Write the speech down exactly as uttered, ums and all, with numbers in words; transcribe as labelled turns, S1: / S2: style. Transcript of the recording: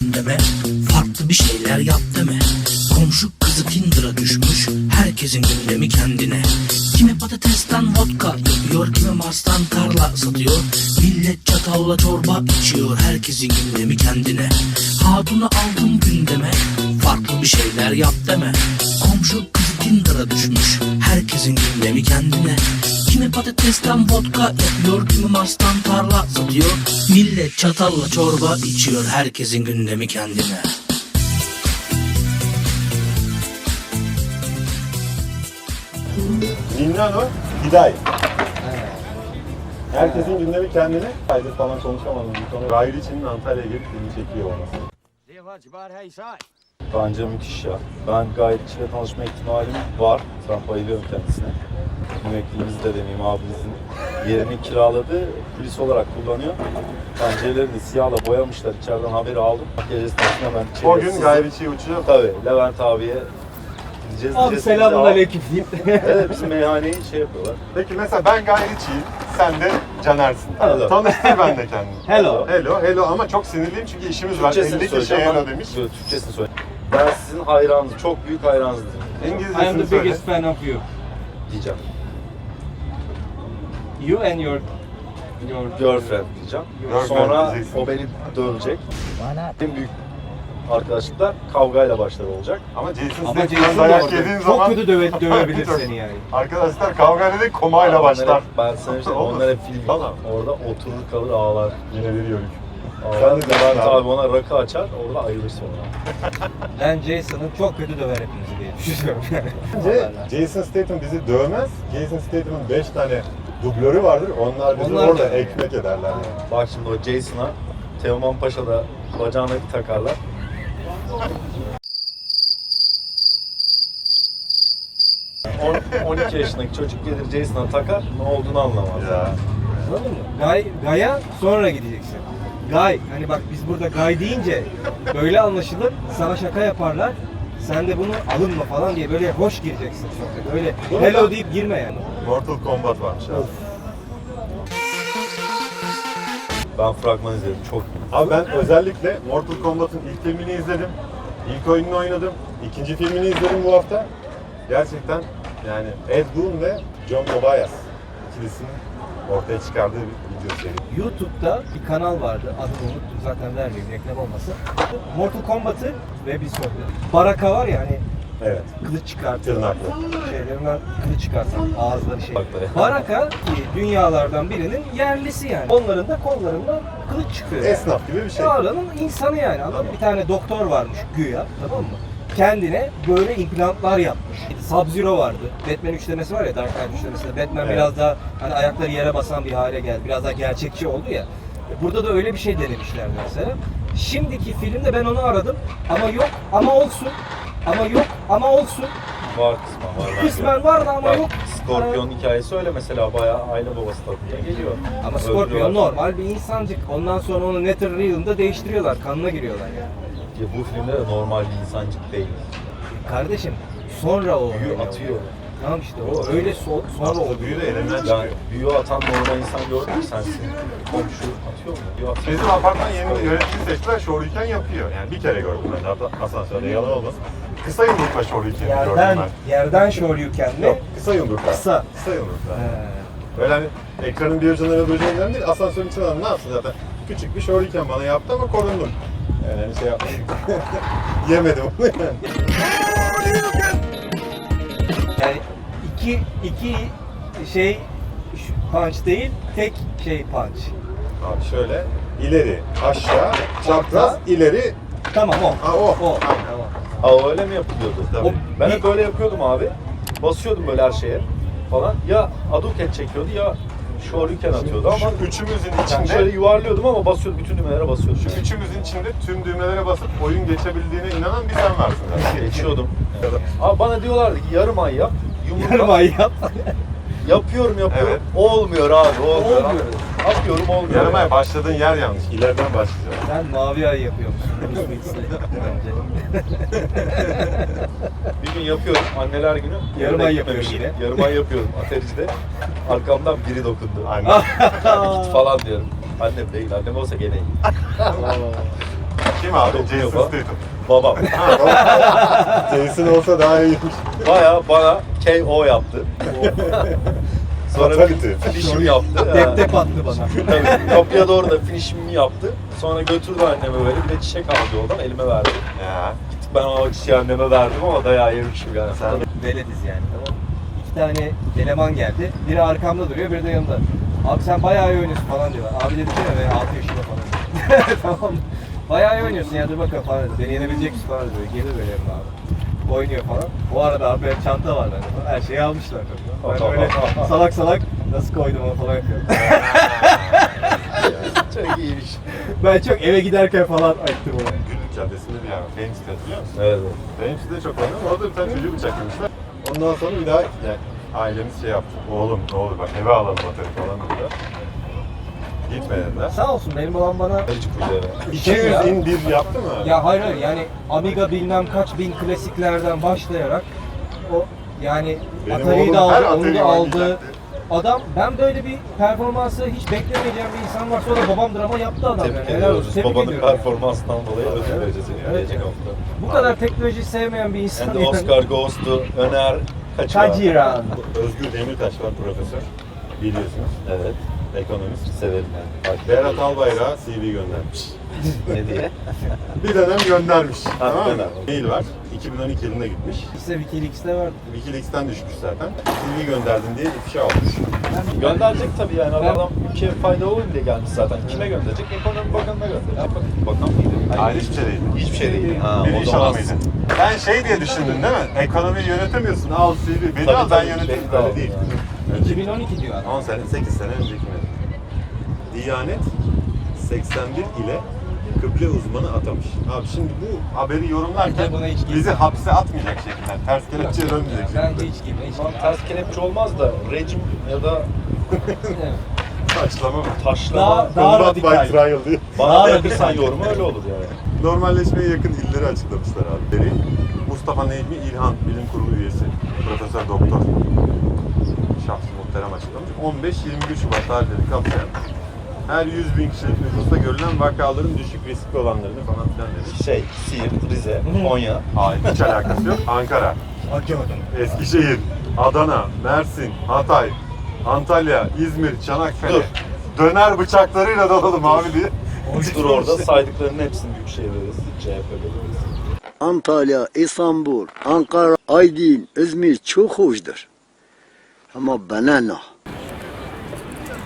S1: deme, farklı bir şeyler yap deme. Komşu kızı Tinder'a düşmüş, herkesin gündemi kendine. Kimi patatesten vodka yapıyor, kimi Mars'tan tarla satıyor. Millet çatalla çorba içiyor, herkesin gündemi kendine. Hatunu aldım gündeme, farklı bir şeyler yap deme. Komşu kızı Tinder'a düşmüş, herkesin gündemi kendine. Kimi patatesten vodka yapıyor, kimi Mars'tan tarla satıyor. Millet çatalla çorba içiyor, herkesin gündemi kendine.
S2: Minnano Hiday. Herkesin gündemi kendine. Aydır falan konuşamadım bu konu. Gayri içinin Antalya'ya gelip filmi çekiyor olması.
S3: Bence müthiş ya. Ben gayet içiyle tanışma ihtimalim var. Ben bayılıyorum kendisine. Müvekkilimizi de demeyeyim, abimizin yerini kiraladı. Polis olarak kullanıyor. Pencerelerini siyahla boyamışlar. İçeriden haberi aldım. Gece esnasında ben içeri...
S2: O gün Gayri içi uçuyor.
S3: Tabii. Levent abiye gideceğiz.
S4: Abi selamun aleyküm diyeyim.
S3: Evet, bizim meyhaneyi şey yapıyorlar.
S2: Peki mesela ben Gayri içiyim, sen de Caner'sin.
S3: Hello.
S2: Tanıştır ben de kendimi.
S4: Hello.
S2: Hello, hello ama çok sinirliyim çünkü işimiz var.
S3: Türkçesini
S2: elli kişi
S3: söyleyeceğim.
S2: hello
S3: Ben-
S2: demiş.
S3: Yok, Türkçesini söyle. Ben sizin hayranınızım, çok büyük hayranınızım
S4: I am
S2: İngilizcesini
S4: the
S2: söyle.
S4: biggest fan of you.
S3: diyeceğim.
S4: You and your your
S3: Girlfriend diyeceğim.
S2: Girlfriend
S3: Sonra
S2: diyeceksin.
S3: o beni dövecek. En büyük arkadaşlıklar kavgayla başlar olacak.
S2: Ama Jason
S4: Ama
S2: Statham'dan
S4: Jason da
S2: dayak yediğin
S4: orada.
S2: zaman...
S4: Çok kötü döve, dövebilir seni yani.
S2: Arkadaşlar kavga değil komayla
S3: Onlar
S2: başlar.
S3: hep- Ben sana işte
S2: Olur.
S3: onlar hep film.
S2: Tamam.
S3: Orada oturur kalır ağlar.
S2: Yine bir yörük.
S3: Ağlar.
S2: de
S3: Levent
S2: abi.
S3: abi ona rakı açar, orada ayılır sonra.
S4: Ben Jason'ı çok kötü döver hepimizi diye düşünüyorum yani.
S2: Bence Jason Statham bizi dövmez. Jason Statham'ın beş tane dublörü vardır. Onlar bizi
S4: Onlar
S2: orada
S4: da-
S2: ekmek ederler yani.
S3: Bak şimdi o Jason'a Teoman Paşa'da bacağına bir takarlar. on on iki yaşındaki çocuk gelir Jason'a takar, ne olduğunu anlamaz.
S2: Ya.
S4: Anladın mı? Gay, Gay'a sonra gideceksin. Gay, hani bak biz burada Gay deyince böyle anlaşılır, sana şaka yaparlar. Sen de bunu alınma falan diye böyle hoş gireceksin sohbete. Öyle hello deyip girme yani.
S2: Mortal Kombat varmış abi.
S3: Ben fragman izledim, çok
S2: Abi ben özellikle Mortal Kombat'ın ilk filmini izledim. İlk oyununu oynadım. İkinci filmini izledim bu hafta. Gerçekten yani Ed Boon ve John Tobias ikilisinin ortaya çıkardığı bir video seri.
S4: YouTube'da bir kanal vardı. Adını unuttum zaten, vermeyeyim reklam olmasın. Mortal Kombat'ı ve bir sohbet. Baraka var ya hani
S2: Evet.
S4: kılıç çıkartıyorlar.
S2: Tırnaklı.
S4: Şeylerinden kılıç çıkartan ağızları şey.
S3: Bakları.
S4: Baraka ki dünyalardan birinin yerlisi yani. Onların da kollarından kılıç çıkıyor. Yani.
S2: Esnaf gibi bir şey.
S4: Oranın insanı yani. Adam bir tane doktor varmış güya, tamam mı? Kendine böyle implantlar yapmış. Sub-Zero vardı. Batman üçlemesi var ya, Dark Knight üçlemesinde. Batman
S2: Evet.
S4: biraz daha hani ayakları yere basan bir hale geldi. Biraz daha gerçekçi oldu ya. Burada da öyle bir şey denemişler mesela. Şimdiki filmde ben onu aradım ama yok, ama olsun. Ama yok, ama olsun.
S3: var kısmen var. bence.
S4: Kısmen vardı ama
S3: Bak,
S4: yok.
S3: Scorpion hikayesi öyle mesela, bayağı aile babası tadında geliyor.
S4: Ama Scorpion
S3: Öldürüyorlar.
S4: normal bir insancık. Ondan sonra onu Netherrealm'da değiştiriyorlar. Kanına giriyorlar yani.
S3: Ya bu filmde de normal bir insancık değil.
S4: Kardeşim sonra o
S3: Büyü
S4: öyle
S3: atıyor.
S4: oluyor. Tamam işte o öyle so- sonra
S2: Aslında
S4: oluyor.
S2: büyü de elinden
S3: Yani
S2: çıkıyor.
S3: büyü atan normal insan gördün mü sensin? Komşu atıyor mu? Büyü atıyor.
S2: Bizim apartman yeni yönetici seçtiler, Shoryuken yapıyor. Yani bir kere gördüm ben de, hatta asansörde yalan olmasın. Kısa yumrukla Shoryuken'i gördüm
S4: Yerden,
S2: ben.
S4: yerden Shoryuken'le
S2: Yok, kısa yumrukla.
S4: kısa.
S2: Kısa yumrukla.
S4: He.
S2: Öyle hani ekranın bir ucundan öbür ucundan değil, asansörün içinden adam ne yapsın zaten. Küçük bir Shoryuken bana yaptı ama korundum. Yani hani şey yapmadım. Yemedim onu yani.
S4: Yani iki, iki şey şu punch değil, tek şey punch.
S2: Abi şöyle, ileri, aşağı, çapraz, ileri.
S4: Tamam o.
S2: Ha o.
S4: O.
S2: Aynen.
S4: Tamam.
S3: Aa öyle mi yapılıyordu?
S2: Tabii.
S3: Ben
S4: Bir-
S3: hep böyle yapıyordum abi. Basıyordum böyle her şeye falan. Ya aduket çekiyordu ya Shoryuken atıyordu ama
S2: Şu üçümüzün
S3: yani
S2: içinde,
S3: şöyle yuvarlıyordum ama basıyordum, bütün düğmelere basıyordum.
S2: şu üçümüzün içinde tüm düğmelere basıp oyun geçebildiğine inanan bir sen varsın zaten.
S3: Geçiyordum. Abi bana diyorlardı ki yarım ay yap. Yumruk
S4: Yarım
S3: at.
S4: ay yap.
S3: Yapıyorum yapıyorum.
S2: Evet.
S3: Olmuyor abi olmuyor.
S4: Olmuyor.
S3: Atıyorum olmuyor.
S2: Yarım ay başladığın yer yanlış. İleriden başlayacağım.
S4: Sen mavi ay yapıyormuşsun. Bruce Willis'le bence.
S3: Bir gün yapıyorum anneler günü.
S4: Yarım ay yapıyor
S3: gitmemişim.
S4: yine.
S3: Yarım ay yapıyorum atericide. Arkamdan biri dokundu.
S2: Anne.
S3: Git falan diyorum. Annem değil, annem olsa gene iyi.
S2: Kim abi?
S3: Yok,
S2: Jason
S3: yok.
S2: Statham.
S3: Babam.
S2: Ha, doğru. Jason olsa daha iyiymiş.
S3: Baya bana K O yaptı. Sonra
S2: Fatality.
S3: finishimi yaptı.
S4: Tep tep attı bana.
S3: Tabii kapıya doğru da finishimi yaptı. Sonra götürdü anneme böyle bir de çiçek aldı yoldan elime verdi.
S2: Ya.
S3: Ben o çiçeği anneme verdim ama dayağı yemişim yani.
S2: Sen
S4: Velediz yani, tamam. İki tane eleman geldi. Biri arkamda duruyor, biri de yanımda. Abi sen bayağı iyi oynuyorsun falan diyorlar. Abi dedim ya ben altı yaşında falan. Tamam. Bayağı iyi oynuyorsun ya, dur bakalım falan dedi. Beni yenebilecek misin falan dedi. Gelir böyle yanıma abi. Oynuyor falan. O arada abi benim çanta var bende falan. Her şeyi almışlar tabii. Ben böyle salak salak nasıl koydum onu falan yapıyorum.
S3: Çok iyiymiş.
S4: Ben çok eve giderken falan açtım onu.
S2: Güllük Caddesi'nde bir yer var. Famous hatırlıyor musun?
S3: Evet.
S2: Famous de çok oynadım. Orada bir tane çocuğu bıçaklamışlar. Ondan sonra bir daha yani ailemiz şey yaptı. Oğlum ne olur bak eve alalım atari falan dediler. Gitme dediler.
S4: Sağ olsun benim babam bana
S3: Hiç kuyuya.
S2: iki yüz in bir yaptı mı?
S4: ya hayır hayır yani Amiga bilmem kaç bin klasiklerden başlayarak o yani
S2: Benim
S4: Atari'yi
S2: oğlum
S4: de aldı,
S2: her
S4: onu
S2: Atari'yi
S4: da aldı.
S2: oynayacaktı.
S4: Adam ben böyle bir performansı hiç beklemeyeceğim bir insan varsa o da babamdır ama yaptı adam
S3: Tebrik
S4: yani. Helal
S3: ediyoruz.
S4: olsun. Tebrik
S3: Babanın
S4: ediyorum.
S3: performansından dolayı ödül vereceğiz yine
S4: Evet.
S3: gelecek hafta.
S4: Bu kadar teknoloji sevmeyen bir insan
S3: And Oscar goes to Öner Kaçıran.
S4: Kaciran.
S2: Özgür Demirtaş var profesör. Biliyorsunuz.
S3: Evet.
S2: Ekonomist.
S3: Severim yani.
S2: Berat Albayrak'a C V göndermiş.
S3: Ne diye?
S2: Bir dönem göndermiş. tamam mı?
S3: dönem.
S2: Mail var. iki bin on iki yılında gitmiş.
S4: İşte Wikileaks'te vardı.
S2: Wikileaks'ten düşmüş zaten. C V gönderdin diye ifşa olmuş.
S3: Gönderecek tabii yani adam ülkeye faydalı olayım diye gelmiş zaten. Kime gönderecek? Ekonomi Bakanı'na gönderecek. Bakan, bakan mıydı?
S2: Hayır hiçbir şey değil.
S3: Hiçbir şey değil. Ha,
S2: Bir
S3: o
S2: iş
S3: zaman
S2: adamıydı. Sen şey diye düşündün değil mi? Ekonomiyi yönetemiyorsun. Al C V. Beni
S3: Tabii,
S2: al ben
S3: tabii,
S2: yöneteyim.
S3: beni de
S2: Öyle
S3: al
S2: değil.
S3: yani.
S2: Öyle
S4: iki
S2: değil.
S4: bin on iki diyor adam.
S2: on sene, sekiz sene önceki mi? Diyanet seksen bir ile kıble uzmanı atamış. Abi şimdi bu haberi yorumlarken
S4: Buna hiç girme.
S2: bizi hapse atmayacak şekilde, ters kelepçeye dönmeyecek şekilde.
S4: Bence hiç girme. Hiç
S3: Şu an
S4: girme.
S3: ters kelepçe olmaz da rejim ya da
S4: Evet.
S2: Saçlama mı?
S3: taşlama
S4: Daha- daha
S2: Combat by
S4: radikal.
S2: trial diye.
S3: bana
S4: Daha
S3: verirsen
S4: radikal.
S3: yorumu öyle olur yani.
S2: Normalleşmeye yakın illeri açıklamışlar abi. Biri Mustafa Necmi İlhan, bilim kurulu üyesi, profesör doktor. Şahsı muhterem açıklamış. on beş yirmi bir Şubat tarihleri kapsayan her yüz bin kişilik nüfusta görülen vakaların düşük riskli olanlarını falan filan demiş.
S3: Şey, Siirt, Rize, Konya.
S2: Hayır, hiç alakası yok. Ankara, Eskişehir, Adana, Mersin, Hatay, Antalya, İzmir, Çanakkale.
S3: Dur.
S2: Döner bıçaklarıyla dalalım abi diye.
S3: Dur orada saydıklarının hepsini büyükşehir veririz, C H P veririz.
S5: Antalya, İstanbul, Ankara, Aydın, İzmir çok hoşdur. Ama bana ne?